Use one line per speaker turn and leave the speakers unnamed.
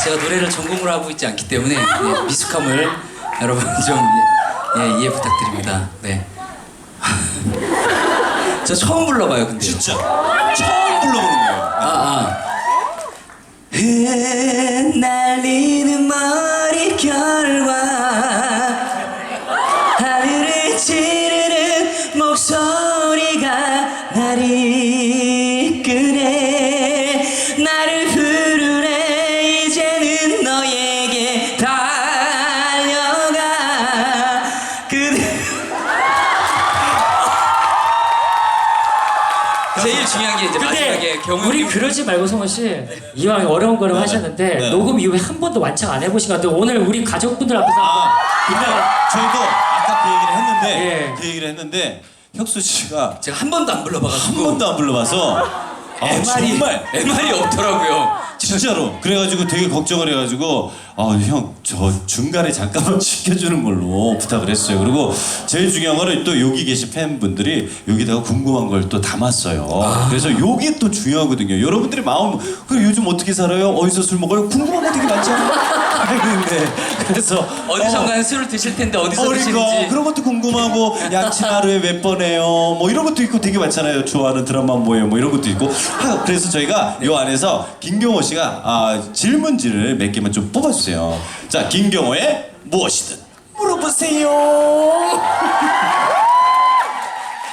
제가 노래를 전공으로 하고 있지 않기 때문에 미숙함을 여러분 좀 이해 부탁드립니다. 네. 저 처음 불러봐요, 근데.
진짜 처음 불러보는 거예요.
흩날리는 머릿결과 하늘을 찌르는 목소리가 나를 이끄네. 나를 부르네. 이제는 너에게 달려가. 그대 제일 중요한 게 이제 마지막에 경훈
우리 그러지 말고 성원 씨 이왕 어려운 거를 하셨는데
네.
녹음 이후에 한 번도 완창 안 해보신 것 같아요. 오늘 우리 가족분들 앞에서
근데 저희도 아까 그 얘기를 했는데
예.
그 얘기를 했는데 혁수 씨가
제가 한 번도 안 불러봐가지고
한 번도 안 불러봐서 정말
MR이 없더라고요.
진짜로 그래가지고 되게 걱정을 해가지고 형 저 중간에 잠깐만 지켜주는 걸로 부탁을 했어요. 그리고 제일 중요한 거는 또 여기 계신 팬분들이 여기다가 궁금한 걸 또 담았어요. 그래서 요게 또 중요하거든요. 여러분들의 마음 그리고 요즘 어떻게 살아요? 어디서 술 먹어요? 궁금한 거 되게 많잖아요. 근데 그래서
어디선가는 술을 드실 텐데 어디서
그러니까
드시는지.
그런 것도 궁금하고 양치 하루에 몇 번 해요 뭐 이런 것도 있고 되게 많잖아요. 좋아하는 드라마 뭐예요 뭐 이런 것도 있고 그래서 저희가 요 안에서 김경호 씨가 질문지를 몇 개만 좀 뽑아주세요. 자 김경호의 무엇이든 물어보세요.